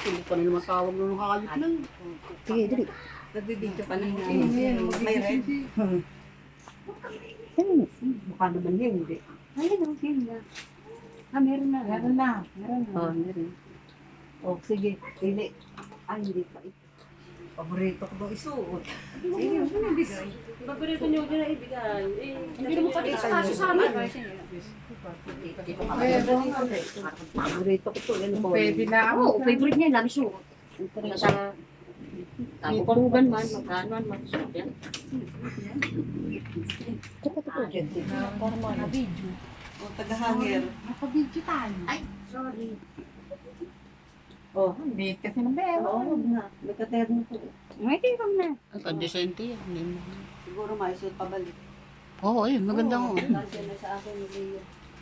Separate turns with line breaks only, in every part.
Hindi pa rin matawag nung kakayot lang.
Sige, dali.
Nagbibidyo pa ng may red.
Baka naman yun, hindi.
Ayun, okay na. Meron na.
Meron na.
Oo, meron. Oh, sige, pili. Ay, hindi pa ito. Paborito ko bang isuot? Sige, ano na bigay?
Paborito niyo din na ibigay. Hindi mo pa rin
Kaso
sa amin.
Paborito ko to. Yan po.
Pwede na ako.
Oo, favorite niya, lami suot. Nasa kabugan man, magkano man, suot yan.
Nakabidyo.
O, tagahangir.
Nakabidyo tayo.
Ay, sorry.
Oh,
Date kasi ng bell.
oo nga. May katerno ko.
May tingkam na.
Ang decente yan.
Siguro maisuot pabalik.
Oo, ayun. Maganda ko.
Nandiyan na sa akin ni Leo.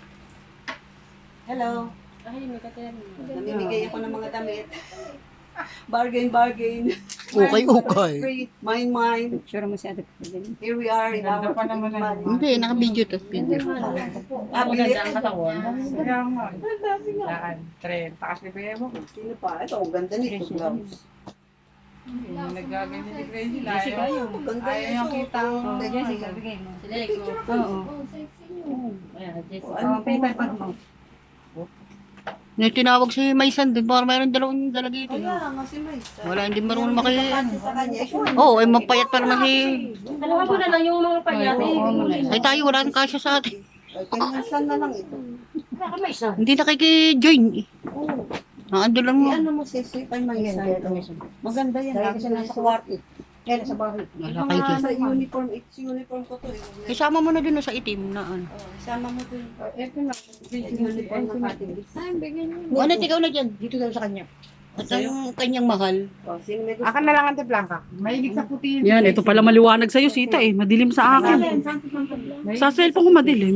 Hello.
Ay, may katerno.
Namimigay ako ng mga damit. Bargain, bargain.
Okay.
Free, mine.
Sure mo si Ate Pwede.
Here we are in our
Hindi, naka-video to. Video.
Abilit.
Maganda ang katawan.
Kaya nga. Daan. 30 kasi kaya mo.
Sino pa? Ito, ang ganda nito. Blouse.
Nagaganyan ni Crazy.
Jessica, yung maganda
Ayaw
yung
yung
suot.
kita.
Oh,
Jessica, bigay mo. Sila ko.
Oo.
Ayan, Jessica.
Ano pa pa mo?
Yung tinawag si Maysan din, para mayroon dalawang dala dito.
Kaya nga si Mays.
Wala, hindi marunong maki...
Kasi sa kanya.
Oo, ay mapayat para na si...
Dalawa mo na lang yung mga panyati.
Ay tayo, wala nang kasya sa atin.
Ay, kanyasan na lang ito.
Wala ka may isa.
Hindi nakiki-join eh.
Oo.
Ando lang mo.
Ano mo sisipan Mays? Maganda yan. Lagi siya nasa kwarto.
Kaya sa bahay.
Wala kayo dyan.
Sa uniform, it's uniform ko to.
Isama mo na dun sa itim na ano.
Oh, sama mo to.
Ito na.
Uniform ng ating
Ay, bigyan niyo.
Ano, ikaw na dyan. Dito daw sa kanya. At ang kanyang mahal.
Oh, sino may gusto?
Akan na lang Ate Blanca. Mahilig sa puti.
Yan, ito pala maliwanag sa'yo, Sita eh. Madilim sa akin. Sa cellphone ko madilim.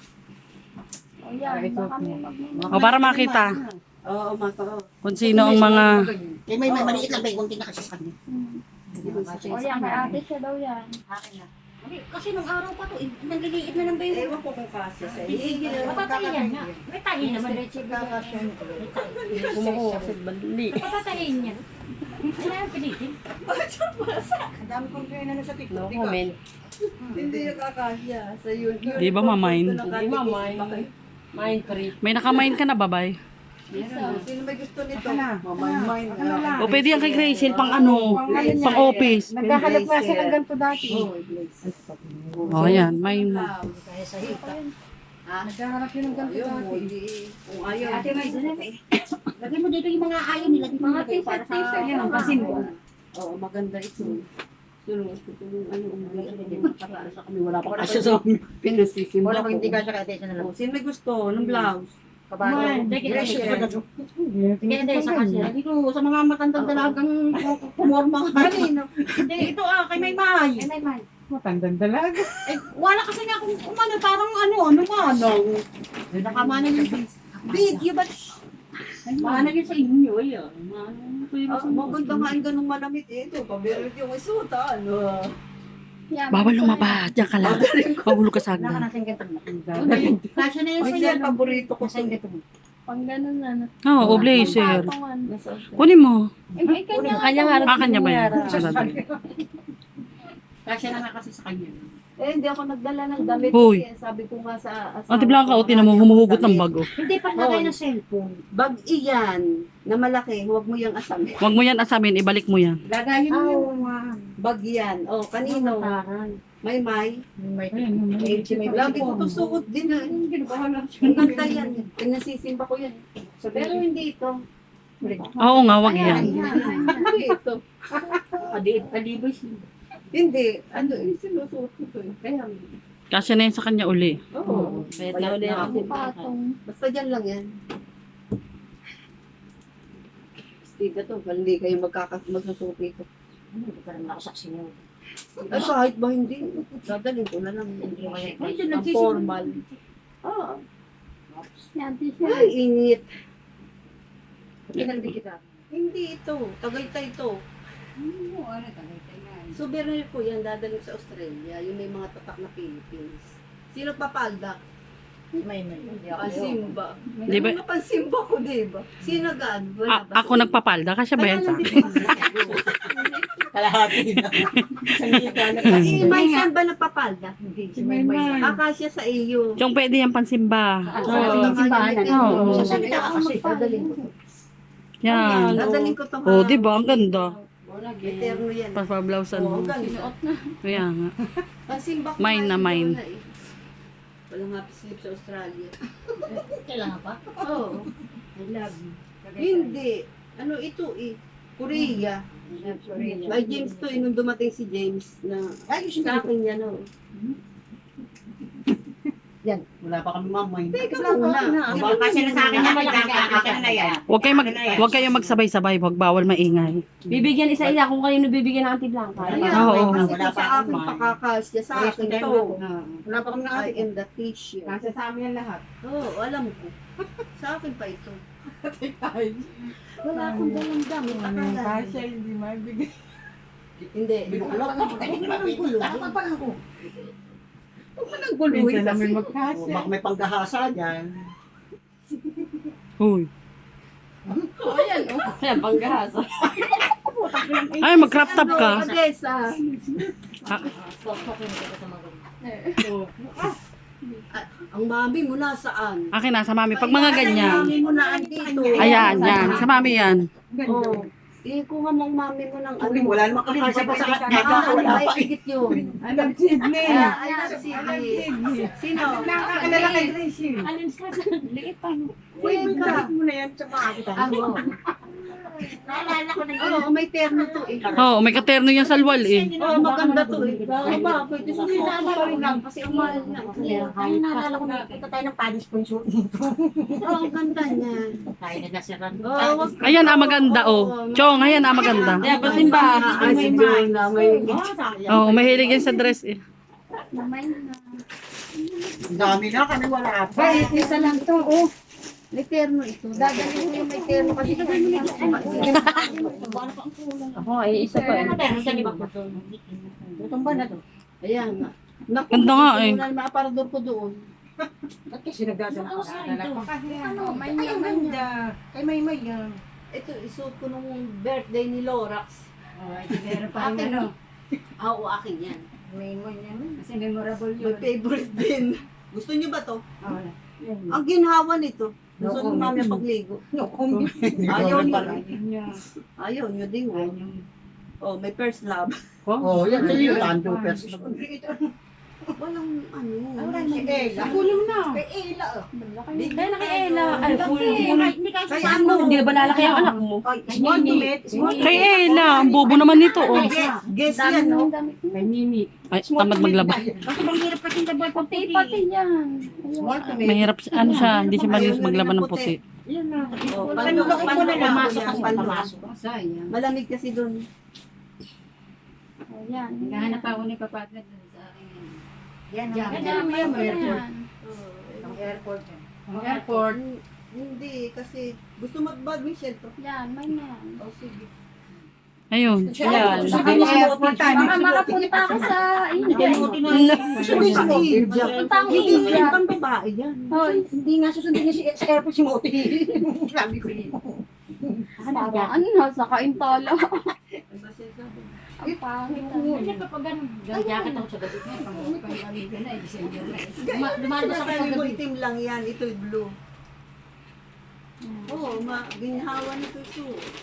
O, para makita
Oo, mata.
kung sino ang mga...
Eh, may maliit lang ba yung tinaka sa kanya.
O yan, kay ate siya daw yan.
Akin na. Kasi nung araw pa to, nagliliit na ng bayo.
Ewan ko kung kasi sa iyo.
Papatayin niya. May tahi naman.
Kumukuha kasi bali.
Papatayin niya. Ano yung pilitin?
Ang dami kong kaya na sa TikTok.
No comment.
Hindi yung kakasya sa uniform.
Di ba, mamain?
Hindi mamay. Mind free.
May nakamain ka na, babay.
Sino may gusto nito? Mamay-mine.
O, pwede yan kay Gracie, pang ano, pang office.
Naghahanap nga siya ng ganito dati.
O, yan, may...
Kaya sa hita.
Naghahanap yun ng ganito
Ayaw mo,
dati.
hindi. Kung ayaw.
Ate may
Lagyan mo dito yung mga ayaw nila.
Mga t-shirt yan ang pasimbo.
Oo, maganda ito. Sino gusto ko yung ano,
Para sa kami, wala pa kasya sa amin.
pinasisimba
Wala
ko.
kung hindi kasya kaya tayo na lang.
Oh, sino may gusto ng blouse?
Kabayan.
Sige,
Hindi, sa kasya. Dito, sa mga matandang dalagang pumorma ka. Hindi, ito kay may mahay.
Matandang dalaga.
Eh, wala kasi nga kung umano, parang ano nakamana yung video, but mana yun sa inyo, yan.
Maganda nga ang ganung malamit ito. Pabirit yung isuta, ano.
Bawal lumabas, diyan ka lang. Magulo ka sa
Wala ka
agdan.
nasing gantong. Kasya na yun
Ay,
sa'yo.
siya, paborito ko.
Kasya yung gantong.
Pang ganun na.
Oo, blazer.
Patungan.
Kunin mo.
Eh, kanya.
Kanya ba yan? Sarado.
Kasya na nga kasi sa kanya.
Eh, hindi ako nagdala ng damit.
Hoy.
Kasi sabi ko nga sa asawa
Ate Blanca,
ko,
o, tinan mo, humuhugot ng bago.
Hindi pa lagay ng cellphone.
Bag iyan, na malaki, huwag mo yung asamin.
Huwag mo yan asamin, ibalik mo yan.
Lagayin mo yung
nga.
bag yan. Oh, kanino? May.
May
Lagi ko to suot din na. Ang ganda yan. Pinasisimba ko yan. Pero hindi ito.
Oo nga, wag yan.
Hindi ito.
Adibay siya.
Hindi. Ano, sinusuot ko to. Kaya,
Kasya na yan sa kanya uli.
oo.
Pwede na ako.
Patong.
Basta dyan lang yan. Stiga to, hindi kayo magsusuot nito.
Hindi pa rin nakasaksi niyo.
Ay, kahit ba hindi, dadalhin ko na lang. Ay, dyan, ang formal. Ah,
Yan, t-shirt.
ay, init.
Kinaldi kita.
Hindi ito, Tagaytay ito. Souvenir ko yan, dadalhin sa Australia. Yung may mga tatak na Philippines. Sino papalda?
Hindi ako.
Pasimba.
Di ba?
Ano pasimba ko, di ba? Sino gaan? Wala ba?
Ako nagpapalda, kasya ba yan sa akin?
Kalahati na.
Si Maysan ba nagpapalda?
Hindi.
Si Mayman.
Akasya sa iyo.
Yung pwede yung pansimba.
Oo.
Oo.
Sasabi ka kasi, dadaling ko.
Yan.
Dadaling ko to.
Oh, di ba? Ang ganda.
Eterno yan.
Papablausan
Oo,
mo.
ganda.
Kaya nga.
Pasimba ko.
Mine na mine.
Walang happy sleep sa Australia.
Kailangan pa?
Oo.
I love you.
Hindi. Ano ito eh? Korea. May James to eh, nung dumating si James na sa akin yan oh.
Wala pa kami mamay.
Teka muna.
Kasi na sa akin yan, akin na yan.
Huwag kayong magsabay-sabay. Huwag bawal maingay.
Bibigyan isa-isa kung kayo nabibigyan ng Auntie Blanca.
Ayan,
Oo.
kasi
Wala
sa
pa
akin
akong
pakakasya sa akin to.
Wala pa kami
I am the teacher.
Nasa sa amin yan lahat.
Oo, alam ko. Sa akin pa ito. Wala akong dalang damit.
Ang
Akala.
kasya, hindi mabigay.
Hindi. Wala pa ng gulo. Huwag mo nang guluhin
Minsan
kasi.
namin magkasya.
Baka may panggahasa dyan.
Uy.
Ayan, Ayan, panggahasa.
Ay, mag-crop top ka.
Odessa. Ang mami mo nasaan?
Akin na, sa mami. Pag mga ganyan.
Mami mo na andito.
Ayan, yan. Sa mami yan.
Oo. Ikuha mong mami mo ng ano.
Wala namang kakasya pa sa kanya. Wala pa.
Higit yun.
I love Sydney.
I love Sydney. Sino?
Nakakilala kay Tracy.
Teka.
mo na yan sa mga kita.
Ano? Oo, may terno to eh.
Oo, may katerno yan sa luwal eh.
Oo, maganda to eh. Bakit? Hindi na pa rin lang kasi ang mahal na.
Ay, naalala ko na kita tayo ng Paris sponsor dito.
Oo, ang ganda niya.
Tayo na nasiran.
Oo, wag
Ayan, maganda oh. Chong, ayan, maganda.
Ayan, pasimba.
Ay, si Jonah, may...
Oo, mahilig yan sa dress eh.
Ang dami na kami wala pa.
Ay, isa lang to, oh. May terno ito. Dadalhin mo yung may terno kasi dadalhin mo.
Ako, ay isa pa. Itong ba na to?
Ayan nga. Naku,
Ganda nga eh.
Wala naman aparador ko doon.
Ba't kasi nagdadala ko? Dala pa kasi ano. May
Ay, ang
ganda. Kay May yan.
Ito, isuot ko nung birthday ni Lorax.
Meron
Akin, no? Oo, akin yan.
May yan. Kasi memorable
My favorite din. Gusto niyo ba to?
Wala.
Ang ginhawa nito. Gusto niyo mami pagligo.
No comment.
Ayaw niyo.
Niya.
Ayaw niyo din. Oh, may first love.
Oh, yan sa iyo. Tando person.
Walang ano.
Si Ella. Kunin mo na.
Kaya na kay Ella. Ay, full.
Hindi kasi
Kaya ano?
Hindi ba lalaki ang anak mo?
Small to mid.
Kay Ella, ang bobo naman nito oh.
Guess yan, no?
Kay Mimi.
Ay, tamad maglaba.
Kasi bang hirap kasi dabal pag
Pati yan.
Small to mid.
Mahirap, ano siya, hindi siya marunong maglaban ng puti.
Yan na.
Oh,
Panlookin mo na lang.
Pumasok kasi,
Pamasok.
Sayang.
Malamig kasi doon.
Ayan.
Naghahanap ako ni Papadre dun sa akin. Yan,
Yan,
yan.
yan, yan.
Ang airport yan.
Ang airport.
Hindi, kasi gusto mag-badminton.
Yan, may yan.
Oh, sige.
Ayun.
Yan.
Sabi mo sa
Baka makapunta ka sa India.
Sabi sa India.
Punta ang
Hindi
India.
yung pang babae yan.
Hoy,
Hindi nga susundin niya sa airport si Moti. Sabi ko yun.
parang nasa kaintala.
Ang masasabi.
Ang pangit.
Hindi pa pag ganun. Jacket ako sa gabi ngayon. Pang-aliga na eh. December na eh. Dumalabas ako sa
Sinasabi mo
gabi.
itim lang yan, ito'y blue. Oo, ginhawa nito ito.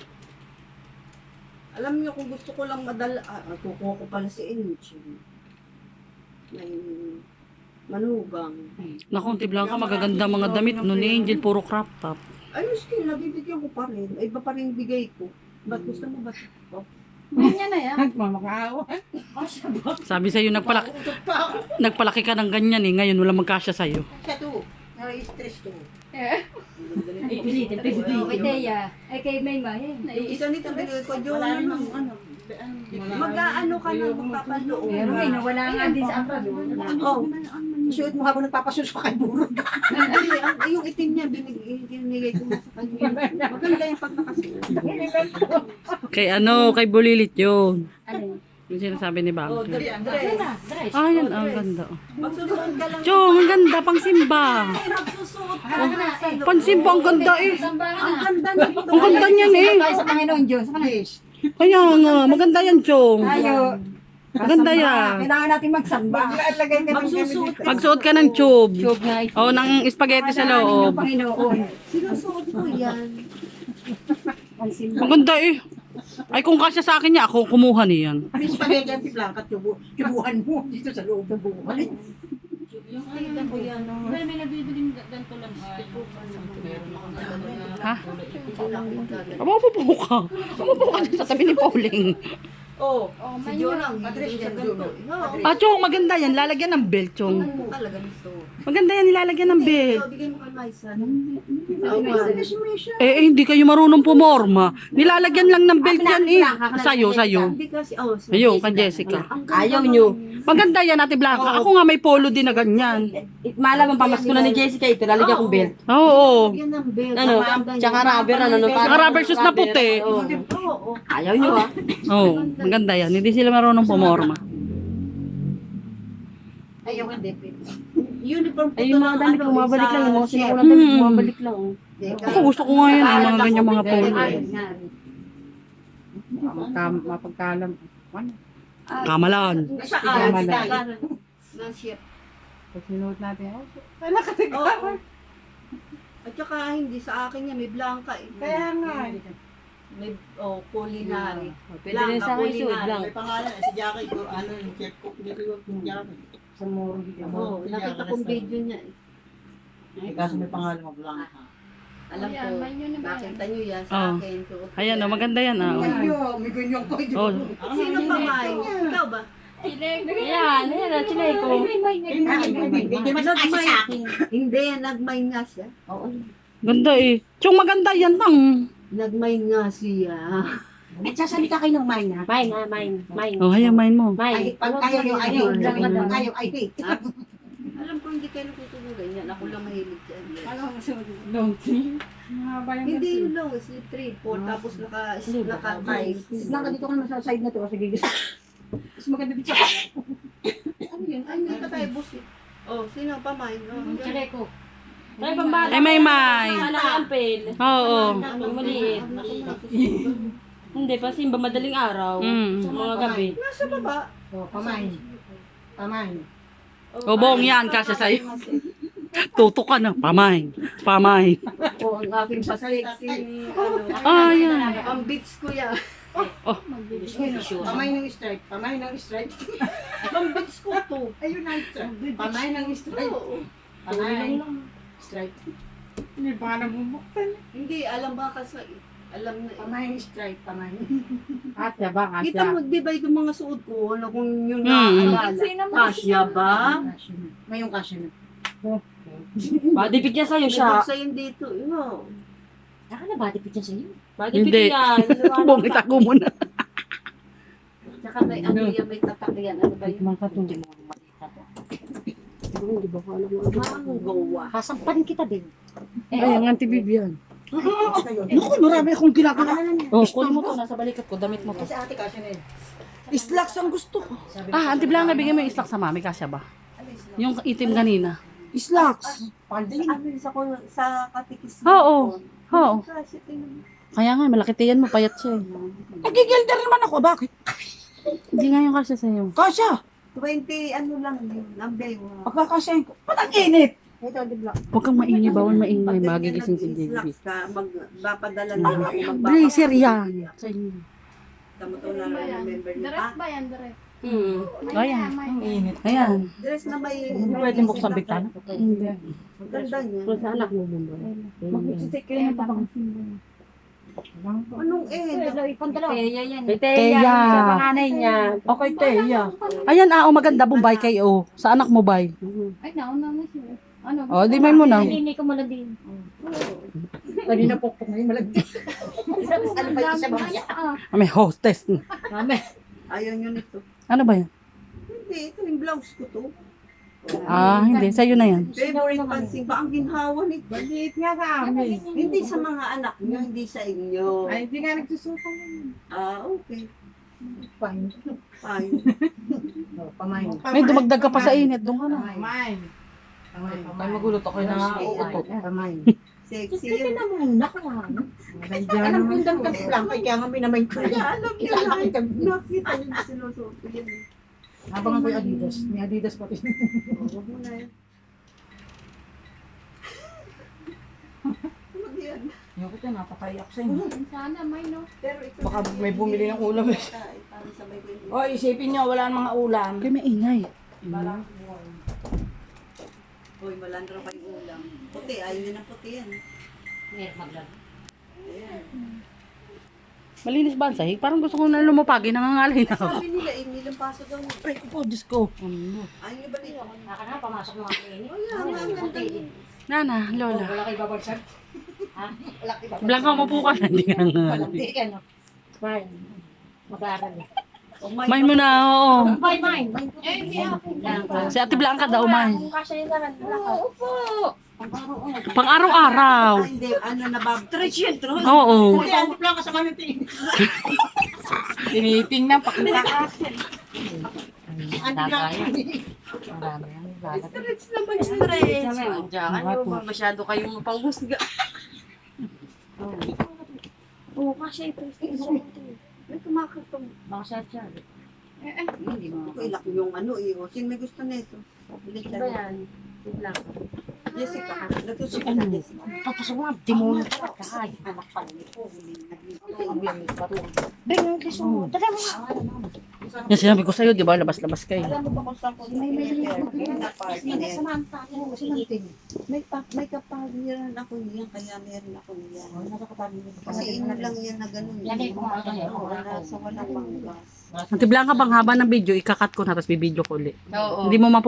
Alam niyo kung gusto ko lang madala, kukuha ko pala si Enchi. May manugang.
Naku, Auntie Blanca, magaganda mga damit no ni Angel, puro crop top.
Ayos ko, nabibigyan ko pa rin. Ay, iba pa rin bigay ko. Ba't gusto mo ba?
Ganyan na yan.
Mamakaawa.
Sabi sa'yo, nagpalaki ka ng ganyan eh, ngayon wala magkasya sa'yo.
Siya to.
Na-stress ko.
Pilitin,
Kay Teya. Ay kay Mayma.
Isa nito binigay ko, Jonah nang ano. Mag-aano ka na, magpapaloob.
Pero may nawala nga din sa abroad.
Oh,
Shoot mo habang nagpapasuso kay burog.
hindi, yung itim niya, binigay ko na sa kanya. Maganda yung pag nakasuot.
Kay ano, kay Bulilit yun.
Ano?
Yung sinasabi ni
Oh,
Bang.
dress.
Ah, yan. Ang ganda.
Magsusuot ka lang.
Chong, ang ganda. Pang simba.
Magsusuot ka.
Pang simba, ang ganda eh.
Ang ganda nito.
Ang ganda niyan eh.
Tayo sa Panginoon Diyos. Sa Panginoon.
Kaya nga, maganda yan, Chong.
Tayo.
Maganda yan.
Kailangan natin magsamba.
Magsusuot ka.
Magsuot ka ng tube.
Tube nga ito.
O, ng spaghetti sa loob.
Ng Panginoon.
Sinusuot ko yan.
Ang simba.
Ang ganda eh. Ay, kung kasya sa akin niya, ako kumuha niyan.
Ang spaghetti ang Blanca, tubuhan mo dito sa loob ng buhay.
Yung tignan ko yan.
May nabibiling ganito lang.
Ha? Mapupo ka. Mapupo ka sa tabi ni Pauling.
Oh,
Oh,
si
may
Joe
yun.
lang. Hindi sa ganito. Oo.
Ah, Chong, maganda yan. Lalagyan ng belt, Chong.
Ano talaga gusto?
Maganda yan, nilalagyan ng belt.
Bigay mo kay Maisa.
Hindi kayo marunong pumorma. Nilalagyan lang ng belt yan eh. Sa'yo.
Hindi kasi,
Ayun, kay Jessica.
Ayaw nyo.
Maganda yan, Ate Blanca. Ako nga may polo din na ganyan.
Malamang pamasko na ni Jessica ito, lalagyan kong belt.
Oo.
Yan ang belt.
Ano, tsaka rubber, ano,
Saka rubber shoes na puti.
Oo.
Ayaw nyo ah.
Oo, maganda yan. Hindi sila marunong pumorma.
Ayaw hindi.
Uniform ko
Ay,
to
yung mga
ng
damit ko,
ano,
mabalik
sa
lang. Yung mga
chef.
sinukulang damit ko, mabalik lang.
Ako gusto ko nga yan. Mga ganyan mga polo.
Mapagkalam.
Kamalan.
Saan? Ng chef.
Pag sinuot natin,
Oo. At saka hindi sa akin yan, may blanca eh.
kaya nga.
May culinary.
Pwede rin sa akin suot lang.
May pangalan si Jackie ko, ano yung chef cook dito yung Jackie.
Sa muro.
Oo, nakita kong video niya eh.
Kaso may pangalan mo Blanca.
Alam ko, nakita niyo yan
Oo.
sa akin. suot ko
Ayan,
yan.
oh, maganda yan. Ah.
May ganyan ko.
Oh.
Sino pa may? Ikaw ba?
Ayan, ayan, chinay ko.
Hindi mas kasi sa akin.
Hindi, nagmine nga siya.
Ganda eh. Chong, maganda yan tang.
Nagmine nga siya.
Nagsasalita kayo ng mine ha?
Mine.
Oh, hayan, main mo.
Ay, pag ayaw nyo, ayaw. Pag ayaw, ay hate.
Alam ko hindi kayo natutulugan yan. Ako lang mahilig dyan.
Mahaba yung
Hindi yun lang, slip 3, 4, tapos naka-tie.
Blanca, dito ka naman sa side na to. Sige, mas maganda dito.
Ano yun? Ay, hindi pa tayo boss eh. Oh, sino pa mine? Oh,
Chinay ko.
Ay, pambata.
Ay, may.
Sana ampel.
Oo.
Yung maliit. Hindi, pa simba madaling araw.
Mm.
Sa mga gabi.
Nasa baba.
Pamain. Pamain.
O, bong yan, kasya sa'yo. Tutok ka na. Pamain. Pamain.
Oh, ang aking pa-sexy.
Ah, yan.
Ang beats ko yan.
Pamain ng stripe. Pamain ng stripe.
Ang beats ko to.
Ayun na. Pamain ng stripe.
Oo.
Pamain. Stripe.
Hindi pa ka nabubuktan.
Hindi, alam ba kasi, alam na eh.
Pamain stripe. Pamain.
Kasya ba?
Kita mo, di ba yung mga suot ko, ano kung yun na,
Hmm.
Kasya ba?
Ngayong kasya na.
Badipit niya sa'yo siya.
Nabuksa yun dito, no.
Saka na badipit niya sa'yo.
Hindi.
Badipit yan.
Bong, itago mo na.
Tsaka may ano yan, may tatak yan, ano ba yun?
Makatulog.
Hindi ba ko alam mo?
Manggawa.
Kasamparin kita din.
Ay, ang anti-Bibian.
Naku, marami akong ginagawa.
Oh, kunin mo to. Nasa balikat ko. Damit mo to.
Kasi ate kasya na yun.
Slacks ang gusto ko.
Ah, Auntie Blanca, bigyan mo yung islak sa mami. Kasya ba? Yung itim kanina.
Slacks.
Ano sa ko sa katikis
Oo. Oo.
Kasi tingnan mo.
Kaya nga, malaki tiyan mo. Payat siya eh.
Nagigilder naman ako. Bakit?
Hindi nga yung kasya sa'yo.
Kasya.
20 ano lang yun, number 1.
Pagkakasyahin ko. Ba't ang init?
Ito, di ba?
Huwag kang maingay. Bawal maingay. Magigising si JB.
Slacks ka, magpapadala na ako.
Blazer yan. Sa inyo.
Tamo to na remember niyo.
Dress ba yan, dress?
Ayan.
Ang init.
Ayan.
Dress na may...
Hindi pwede buksan bigtan.
Hindi.
Ang ganda niya.
Kung sa anak mo, Bumbo.
Mag-stick kayo na bang
Anong
Teya yan. Kay
Teya.
Teya. Sa panganay niya.
Okay, Teya.
Ayan, maganda. Bombay kayo. Sa anak mo, bay.
Ay, nauna na siya. Ano?
Oh, di may mo na.
Hindi ko muna din.
Pwede na pokpok ngayon malagdi. Ano pa yung isa ba kaya?
May hostess.
Ayaw niyo nito.
Ano ba yan?
Hindi, ito yung blouse ko to.
Hindi. Sa'yo na yan.
Favorite pansing ba ang ginhawa nito?
Maliit nga sa amin.
Hindi sa mga anak niyo, hindi sa inyo.
Ay, hindi nga nagsusukan.
Ah, okay.
Fine.
Fine.
Oh, pamain.
May dumagdag ka pa sa init. Doon ka na.
Mine.
Ay, magulat ako na uutot.
Pamain.
Sexy
Kasi
yun.
namuna ka lang.
Alam ko yung damit lang, kaya nga minamay ko yan. Kilala kita. Nakita niyo yung sinusuot ko yan.
Habang ako'y Adidas. May Adidas pati.
Huwag mo na yan.
Yung ko napakaiyak sa inyo.
Sana may no.
Pero ito
Baka may bumili ng ulam eh.
Parang sabay ko yung
O, isipin nyo, wala nang mga ulam.
Kaya may ingay.
Hoy, malandro pa yung ulam. Puti, ayaw niya ng puti yan.
Malinis ba ang sahig? Parang gusto ko na lumupagi. Nangangalay na ako.
Sabi nila, Emilang paso daw.
Ay, po, Diyos ko.
Ayaw niyo ba dito?
Naka na, pamasok ng mga ini.
Oh, yan, ang ganda.
Nana, Lola.
Wala kayo babagsak.
Blanca, mapo ka na. Hindi ka nga.
Hindi ka no. Fine. Mag-aaral.
Main mo na, oo.
Bye, mine. Eh, hindi ako.
Si Ate Blanca daw, Main.
Kung kasya yung garan, wala ka. Opo.
Pang araw-araw.
Ah, hindi, ano na ba? Stretch yun, Tro.
Oo.
Hindi, ang lang kasama ng tingin.
Tinitingnan, pakita ka.
Ano lang.
Stretch naman, stretch.
Diyan, masyado kayong panghusga.
Oo, kasya ito.
May kumakatong.
Baka siya.
Hindi mo. Ilak yung ano, iyo. Sino may gusto na ito? Bilis
Iba yan. Yun lang.
Jessica, natutunan na Jessica.
Tapos mga demonyo ka. Kaya.
Anak pa rin po.
Beng, kiso. Tara mo nga.
Yan sinabi ko sa'yo, di ba? Labas-labas kayo.
Alam mo ba kung saan ko may
Samantha.
may kapaliran ako niyan, kaya meron ako niyan. Kasi ino lang yan na ganun.
Lagay ko nga ito.
Wala sa walang manggas.
Ate Blanca, bang haba ng video, ikakat ko na, tapos bibidyo ko ulit.
Oo.
Hindi mo